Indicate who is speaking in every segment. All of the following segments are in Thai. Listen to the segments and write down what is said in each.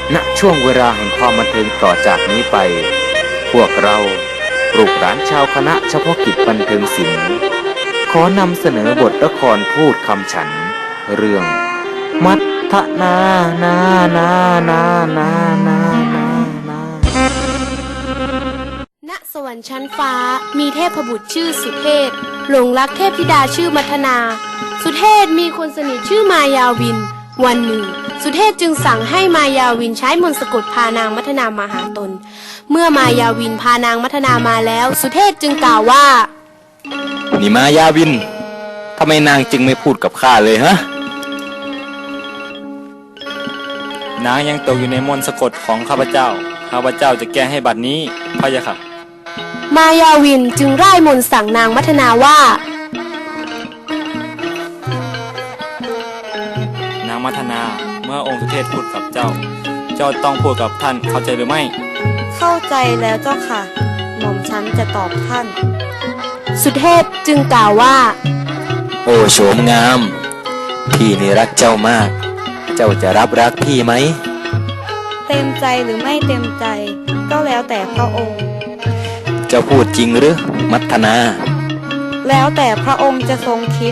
Speaker 1: ณช่วงเวลาแห่งความบันเทิงต่อจากนี้ไปพวกเราลูกหลานชาวคณะเฉพาะกิจบันเทิงศิลป์ขอนำเสนอบทละครพูดคำฉันเรื่องมัทธนานานานานานานานา
Speaker 2: ณสวรรค์ชั้นฟ้ามีเทพบุตรชื่อสุเทพหลงรักเทพธิดาชื่อมัทนาสุเทพมีคนสนิทชื่อมายาวินวันหนึ่งสุเทพจึงสั่งให้มายาวินใช้มนต์สะกดพานางมัทนามาหาตนเมื่อมายาวินพานางมัทนามาแล้วสุเทพจึงกล่าวว่า
Speaker 3: นี่มายาวินทำไมนางจึงไม่พูดกับข้าเลยฮะนางยังตกอยู่ในมนต์สะกดของข้าพเจ้าจะแก้ให้บัดนี้พะยะค่ะ
Speaker 2: มายาวินจึงร่ายมนต์สั่งนางมัทนาว่าน
Speaker 3: างมัทนาเมื่อองค์สุเทพพูดกับเจ้าต้องพูดกับท่านเข้าใจหรือไม่
Speaker 4: เข้าใจแล้วเจ้าค่ะหม่อมฉันจะตอบท่าน
Speaker 2: สุเทพจึงกล่าวว่า
Speaker 3: โอ้โฉมงามพี่นี่รักเจ้ามากเจ้าจะรับรักพี่ไหม
Speaker 4: เต็มใจหรือไม่เต็มใจก็แล้วแต่พระองค์
Speaker 3: เจ้าพูดจริงหรือมัทนา
Speaker 4: แล้วแต่พระองค์จะทรงคิด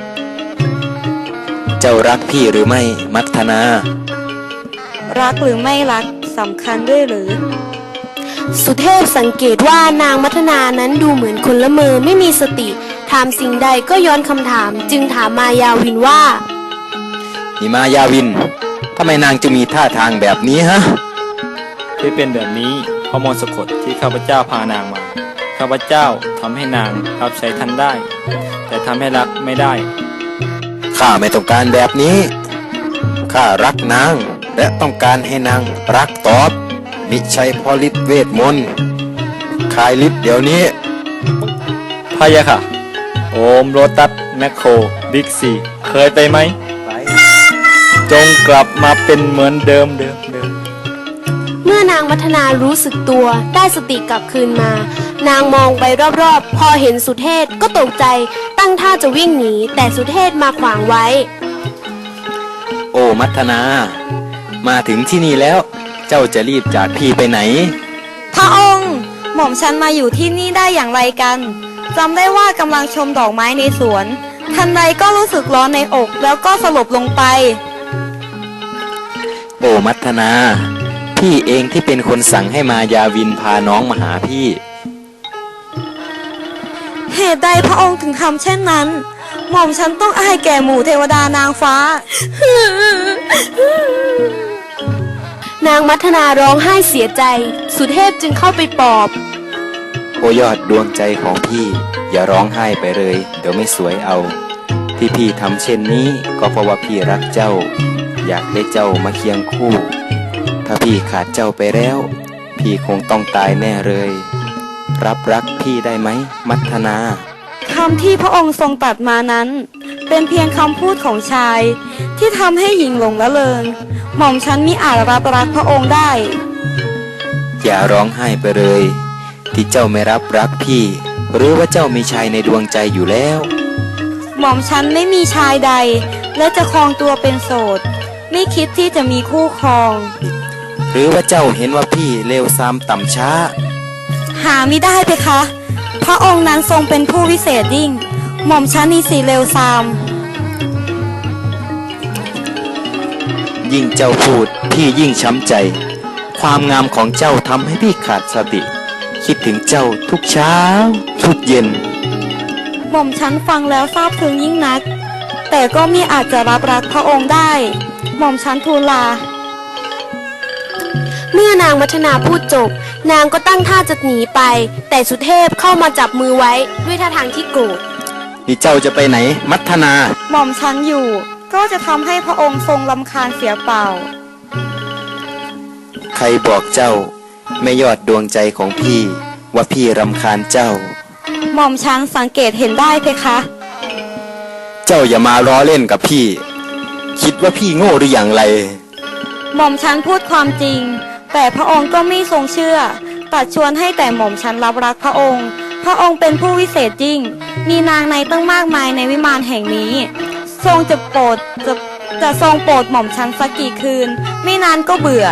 Speaker 3: เจ้ารักพี่หรือไม่มัทนา
Speaker 4: รักหรือไม่รักสำคัญด้วยหรือ
Speaker 2: สุเทพสังเกตว่านางมัทนานั้นดูเหมือนคนละเมอไม่มีสติถามสิ่งใดก็ย้อนคำถามจึงถามมายาวินว่า
Speaker 3: นี่มายาวินทำไมนางจะมีท่าทางแบบนี้ฮะที่เป็นแบบนี้เพราะมนต์สะกดที่ข้าพเจ้าพานางมาข้าพเจ้าทำให้นางรับใช้ท่านได้แต่ทำให้รักไม่ได้ข้าไม่ต้องการแบบนี้ข้ารักนางและต้องการให้นางรักตอบมิใช่เพราะฤทธิ์เวทมนต์คายฤทธิ์เดี๋ยวนี้พะยะค่ะโอมโรตัสแมคโครบิ๊กซีเคยไปไหมไปจงกลับมาเป็นเหมือนเดิม
Speaker 2: เมื่อนางมัทนารู้สึกตัวได้สติกลับคืนมานางมองไปรอบๆพอเห็นสุเทพก็ตกใจตั้งท่าจะวิ่งหนีแต่สุเทพมาขวางไว้
Speaker 3: โอ้มัทนามาถึงที่นี่แล้วเจ้าจะรีบจากพี่ไปไหน
Speaker 4: พระองค์หม่อมฉันมาอยู่ที่นี่ได้อย่างไรกันจำได้ว่ากำลังชมดอกไม้ในสวนทันใดก็รู้สึกร้อนในอกแล้วก็สลบลงไป
Speaker 3: โอ้มัทนาพี่เองที่เป็นคนสั่งให้มายาวินพาน้องมาหาพี่
Speaker 4: เหตุใดพระองค์ถึงทำเช่นนั้นหม่อมฉันต้องอายแก่หมู่เทวดานางฟ้
Speaker 2: านางมัทนาร้องไห้เสียใจสุเทพจึงเข้าไปปลอบ
Speaker 3: โอยอดดวงใจของพี่อย่าร้องไห้ไปเลยเดี๋ยวไม่สวยเอาที่พี่ทำเช่นนี้ก็เพราะว่าพี่รักเจ้าอยากได้เจ้ามาเคียงคู่ถ้าพี่ขาดเจ้าไปแล้วพี่คงต้องตายแน่เลยรับรักพี่ได้ไหมมัทนา
Speaker 4: คำที่พระองค์ทรงตรัสมานั้นเป็นเพียงคำพูดของชายที่ทำให้หญิงหลงละเริงหม่อมฉันมิอาจรับรักพระองค์ได้
Speaker 3: อย่าร้องไห้ไปเลยที่เจ้าไม่รับรักพี่หรือว่าเจ้ามีชายในดวงใจอยู่แล้ว
Speaker 4: หม่อมฉันไม่มีชายใดและจะครองตัวเป็นโสดไม่คิดที่จะมีคู่ครอง
Speaker 3: หรือว่าเจ้าเห็นว่าพี่เลวทรามต่ำช้า
Speaker 4: หาไม่ได้เพคะพระองค์นั้นทรงเป็นผู้วิเศษยิ่งหม่อมฉันนี่สิเลวทราม
Speaker 3: ยิ่งเจ้าพูดพี่ยิ่งช้ำใจความงามของเจ้าทำให้พี่ขาดสติคิดถึงเจ้าทุกเช้าทุกเย็น
Speaker 4: หม่อมฉันฟังแล้วซาบซึ้งยิ่งนักแต่ก็มิอาจจะรับรักพระองค์ได้หม่อมฉันทูลลา
Speaker 2: เมื่อนางมัทนาพูดจบนางก็ตั้งท่าจะหนีไปแต่สุเทพเข้ามาจับมือไว้ด้วยท่าทางที่โกรธ
Speaker 3: นี่เจ้าจะไปไหนมัทนา
Speaker 4: หม่อมฉันอยู่ก็จะทำให้พระองค์ทรงรำคาญเสียเปล่า
Speaker 3: ใครบอกเจ้าไม่ยอดดวงใจของพี่ว่าพี่รำคาญเจ้า
Speaker 4: หม่อมฉันสังเกตเห็นได้เพคะ
Speaker 3: เจ้าอย่ามาล้อเล่นกับพี่คิดว่าพี่โง่หรืออย่างไร
Speaker 4: หม่อมฉันพูดความจริงแต่พระองค์ก็ไม่ทรงเชื่อตัดชวนให้แต่หม่อมฉันรับรักพระองค์พระองค์เป็นผู้วิเศษยิ่งมีนางในตั้งมากมายในวิมานแห่งนี้ทรงจะทรงโปรดหม่อมฉันสักกี่คืนไม่นานก็เบื่อ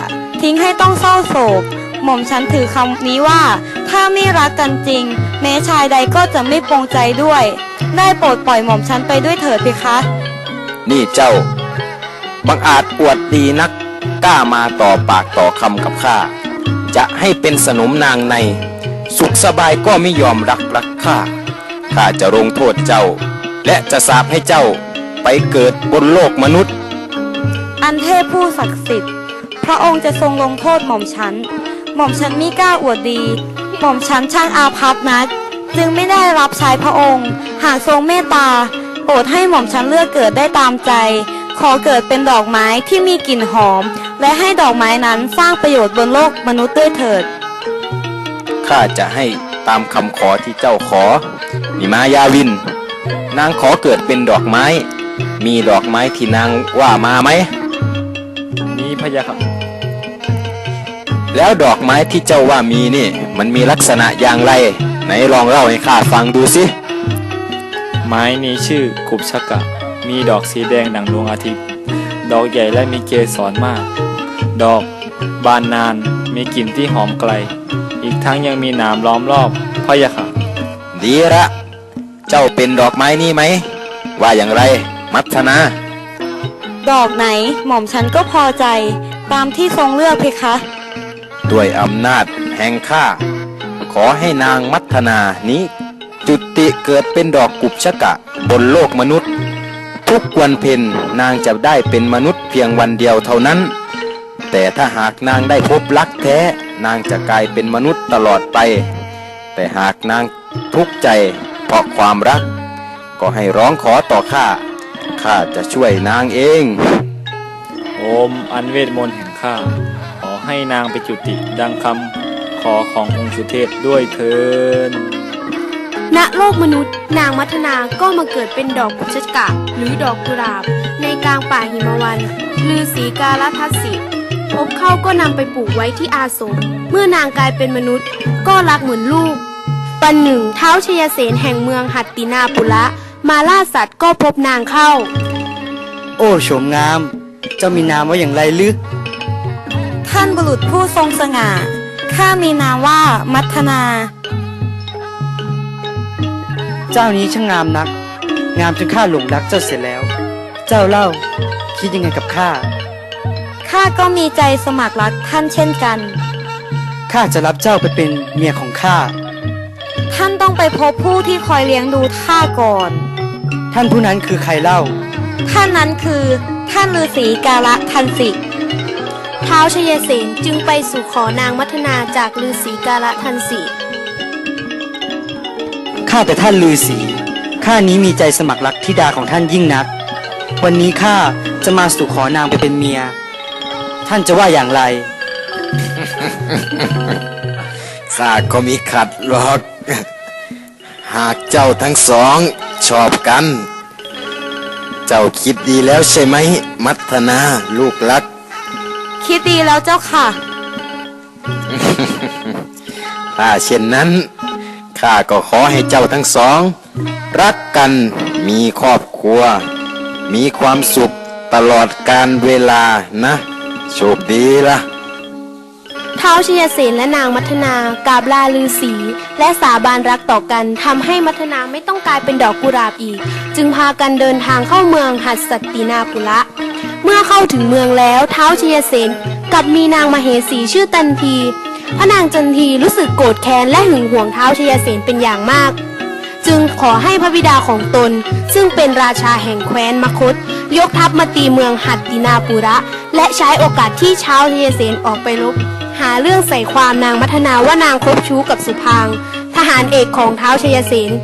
Speaker 4: ทิ้งให้ต้องเศร้าโศก หม่อมฉันถือคำนี้ว่า ถ้าไม่รักกันจริง แม้ชายใดก็จะไม่ปรงใจด้วย ได้โปรดปล่อยหม่อมฉันไปด้วยเถิดเพคะ
Speaker 3: นี่เจ้า บังอาจอวดดีนัก กล้ามาต่อปากต่อคำกับข้า จะให้เป็นสนมนางใน สุขสบายก็ไม่ยอมรักข้า ข้าจะลงโทษเจ้า และจะสาปให้เจ้าไปเกิดบนโลกมนุษย์
Speaker 4: อันเทพผู้ศักดิ์สิทธิ์ พระองค์จะทรงลงโทษหม่อมฉัน หม่อมฉันมิกล้าอวดดี หม่อมฉันช่างอาภัพนัก จึงไม่ได้รับใช้พระองค์ หากทรงเมตตา โปรดให้หม่อมฉันเลือกเกิดได้ตามใจ ขอเกิดเป็นดอกไม้ที่มีกลิ่นหอม และให้ดอกไม้นั้นสร้างประโยชน์บนโลกมนุษย์ด้วยเถิด
Speaker 3: ข้าจะให้ตามคำขอที่เจ้าขอ นิมายาวิน นางขอเกิดเป็นดอกไม้ มีดอกไม้ที่นางว่ามาไหม
Speaker 5: มีพะยะครับ
Speaker 3: แล้วดอกไม้ที่เจ้าว่ามีนี่ มันมีลักษณะอย่างไร ไหนลองเล่าให้ข้าฟังดูสิ
Speaker 5: ไม้นี้ชื่อกุบชกะ มีดอกสีแดงดังดวงอาทิตย์ ดอกใหญ่และมีเกสรมาก ดอกบานนาน มีกลิ่นที่หอมไกล อีกทั้งยังมีหนามล้อมรอบพะยะค่ะ
Speaker 3: ดีละ เจ้าเป็นดอกไม้นี่ไหม ว่าอย่างไร มัทนา
Speaker 4: ดอกไหนหม่อมฉันก็พอใจ ตามที่ทรงเลือกเพคะ
Speaker 3: ด้วยอำนาจแห่งข้า ขอให้นางมัทนานี้ จุติเกิดเป็นดอกกุบชกะบนโลกมนุษย์ ทุกวันเพ็ญนางจะได้เป็นมนุษย์เพียงวันเดียวเท่านั้น แต่ถ้าหากนางได้พบรักแท้ นางจะกลายเป็นมนุษย์ตลอดไป แต่หากนางทุกข์ใจเพราะความรัก ก็ให้ร้องขอต่อข้า ข้าจะช่วยนางเอง
Speaker 5: โอมอันเวทมนต์แห่งข้า ขอให้นางไปจุติดังคำขอขององค์สุเทพด้วยเถิด
Speaker 2: ณโลกมนุษย์นางมัทนาก็มาเกิดเป็นดอกกุชกะหรือดอกกุหลาบ ในกลางป่าหิมวันฤาษีกาลทัสสิพบเข้าก็นำไปปลูกไว้ที่อาสม เมื่อนางกลายเป็นมนุษย์ ก็รักเหมือนลูกวันหนึ่งท้าวชยเสนแห่งเมืองหัตตินาปุระมาล่าสัตว์ก็พบนางเข้า
Speaker 6: โอ้โฉมงาม เจ้ามีนามว่าอย่างไรลึก
Speaker 4: ท่านบุรุษผู้ทรงสง่า ข้ามีนามว่ามัทนา
Speaker 6: เจ้านี้ช่างงามนัก งามจนข้าหลงรักเจ้าเสียแล้ว เจ้าเล่า คิดยังไงกับข้า
Speaker 4: ข้าก็มีใจสมัครรักท่านเช่นกัน
Speaker 6: ข้าจะรับเจ้าไปเป็นเมียของข้า
Speaker 4: ท่านต้องไปพบผู้ที่คอยเลี้ยงดูข้าก่อน
Speaker 6: ท่านผู้นั้นคือใครเล่า
Speaker 4: ท่านนั้นคือท่านฤาษีกาละทันสิ
Speaker 2: ท้าวชยเสนจึงไปสู่ขอนางมัทนาจากฤาษีกาลทันสี
Speaker 6: ข้าแต่ท่านฤาษี ข้านี้มีใจสมัครรักธิดาของท่านยิ่งนัก วันนี้ข้าจะมาสู่ขอนางไปเป็นเมีย ท่านจะว่าอย่างไร
Speaker 3: ข้าก็มีขัดหรอก หากเจ้าทั้งสองชอบกัน เจ้าคิดดีแล้วใช่ไหม มัทนาลูกรัก
Speaker 4: คิดดีแล้วเจ้าค่ะ
Speaker 3: ถ้าเช่นนั้น ข้าก็ขอให้เจ้าทั้งสอง รักกันมีครอบครัว มีความสุขตลอดกาลเวลานะ โชคดีล่ะ
Speaker 2: ท้าวชยเสนและนางมัทนากราบลาฤาษีและสาบานรักต่อกันทำให้มัทนาไม่ต้องกลายเป็นดอกกุหลาบอีก จึงพากันเดินทางเข้าเมืองหัตสัตตินาปุระเมื่อเข้าถึงเมืองแล้วท้าวชยเสนกับมีนางมเหสีชื่อตันทีพระนางจันทีรู้สึกโกรธแค้นและหึงหวงท้าวชยเสนเป็นอย่างมาก จึงขอให้พระบิดาของตนซึ่งเป็นราชาแห่งแคว้นมคธยกทัพมาตีเมืองหัตตินาปุระและใช้โอกาสที่ท้าวชยเสนออกไปรบหาเรื่องใส่ความนางมัทนาว่านางคบชู้กับสุพางค์ทหารเอกของท้าวชยเสน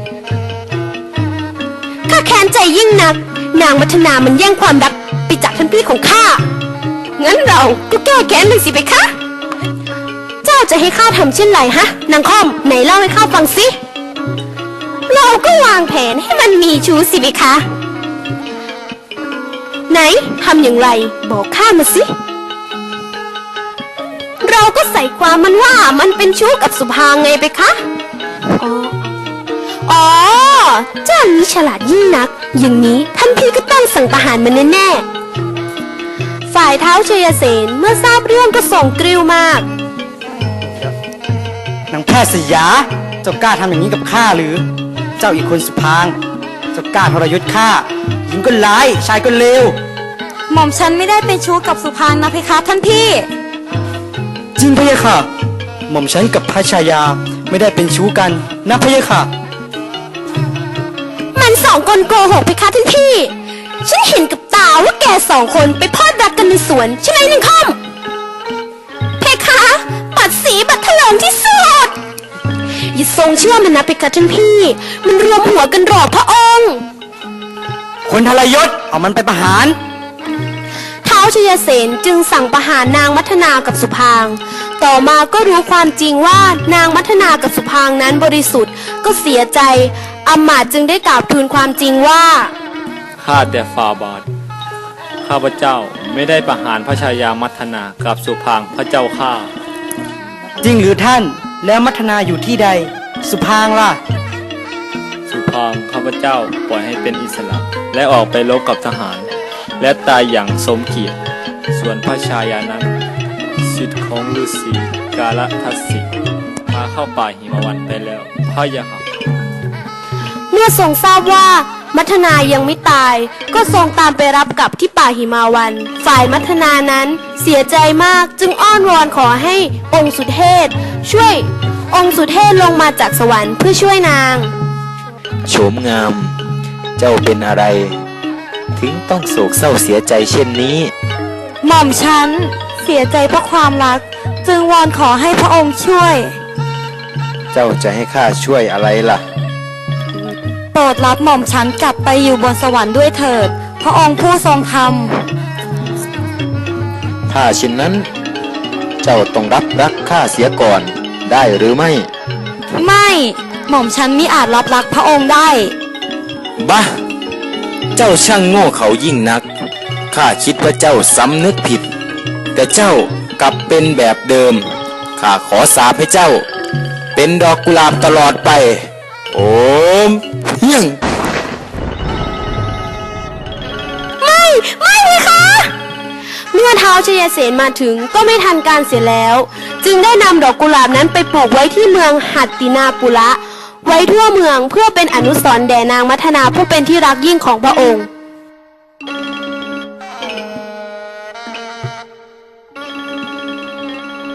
Speaker 2: ข้าแค้นใจยิ่งนักนางมัทนามันแย่งความรักไปจากท่านพี่ของข้างั้นเราก็แก้แค้นเลยสิไปคะเจ้าจะให้ข้าทำเช่นไรฮะนางค่อมไหนเล่าให้ข้าฟังสิเราก็วางแผนให้มันมีชู้สิไปคะไหนทำอย่างไรบอกข้ามาสิเราก็ใส่ความมันว่ามันเป็นชู้กับสุภางไงไปคะอ๋อเจ้านี้ฉลาดยิ่งนักอย่างนี้ท่านพี่ก็ต้องสั่งประหารมันแน่ๆฝ่ฝ่ายเท้าวชัยเสนเมื่อทราบเรื่องก็ส่งกริ้วมาก
Speaker 6: นางแพทย์สยา เจ้ากล้าทำอย่างนี้กับข้าหรือ เจ้าอีกคนสุพางค์เจ้ากล้าทรยศข้า หญิงก็ร้าย ชายก็เลว
Speaker 4: หม่อมฉันไม่ได้เป็นชู้กับสุพางค์นะเพคะท่านพี่
Speaker 6: จริงพะยะค่ะ หม่อมฉันกับพระชายาไม่ได้เป็นชู้กันนะพะยะค่ะ
Speaker 2: มันสองคนโกหกเพคะท่านพี่ ฉันเห็นกับตาว่าแกสองคนไปพลอดรักกันในสวนใช่ไหมหนึ่งคอมเพคะปัดสีบัดถลงที่สุด อย่าทรงเชื่อมันนะเพคะท่านพี่ มันรวมหัวกันหลอกพระองค์
Speaker 6: คนทรยศเอามันไปประหาร
Speaker 2: ท้าวชยเสนจึงสั่งประหารนางมัทนากับสุพางค์ต่อมาก็รู้ความจริงว่านางมัทนากับสุพางค์นั้นบริสุทธิ์ก็เสียใจอำมาตย์จึงได้กราบทูลความจริงว่า
Speaker 5: ข้าแต่ฝ่าบาท ข้าพเจ้าไม่ได้ประหารพระชายามัทนากับสุพางค์พระเจ้าข้า
Speaker 6: จริงหรือท่าน แล้วมัทนาอยู่ที่ใด สุพางค์ล่ะ
Speaker 5: สุพางค์ข้าพเจ้าปล่อยให้เป็นอิสระและออกไปรบกับทหาร และตายอย่างสมเกียรติ ส่วนพระชายานั้นสิทธิ์ของฤาษีกาลทัสสิพาเข้าป่าหิมวันไปแล้วพระยาค่ะ
Speaker 2: เมื่อทรงทราบว่ามัทนายังไม่ตาย ก็ทรงตามไปรับกลับที่ป่าหิมาวัน ฝ่ายมัทนานั้นเสียใจมากจึงอ้อนวอนขอให้องค์สุเทพช่วยองค์สุเทพลงมาจากสวรรค์เพื่อช่วยนาง
Speaker 1: โฉมงาม เจ้าเป็นอะไร ถึงต้องโศกเศร้าเสียใจเช่นนี้
Speaker 4: หม่อมฉันเสียใจเพราะความรัก จึงวอนขอให้พระองค์ช่วย
Speaker 1: เจ้าจะให้ข้าช่วยอะไรล่ะ
Speaker 4: โปรดรับหม่อมฉันกลับไปอยู่บนสวรรค์ด้วยเถิด พระองค์ผู้ทรงธรรม
Speaker 1: ถ้าเช่นนั้น เจ้าต้องรับรักข้าเสียก่อนได้หรือไม่
Speaker 4: ไม่ หม่อมฉันมิอาจรับรักพระองค์ได้
Speaker 1: บ้า เจ้าช่างโง่เขายิ่งนัก ข้าคิดว่าเจ้าสำนึกผิด แต่เจ้ากลับเป็นแบบเดิม ข้าขอสาปให้เจ้า เป็นดอกกุหลาบตลอดไป โอมเฮียง
Speaker 2: ไม่เลยค่ะ เมื่อท้าวชยเสนมาถึงก็ไม่ทันการเสียแล้ว จึงได้นำดอกกุหลาบนั้นไปปลูกไว้ที่เมืองหัตตินาปุระ ไว้ทั่วเมืองเพื่อเป็นอนุสรณ์แด่นางมัทนาผู้เป็นที่รักยิ่งของพระองค์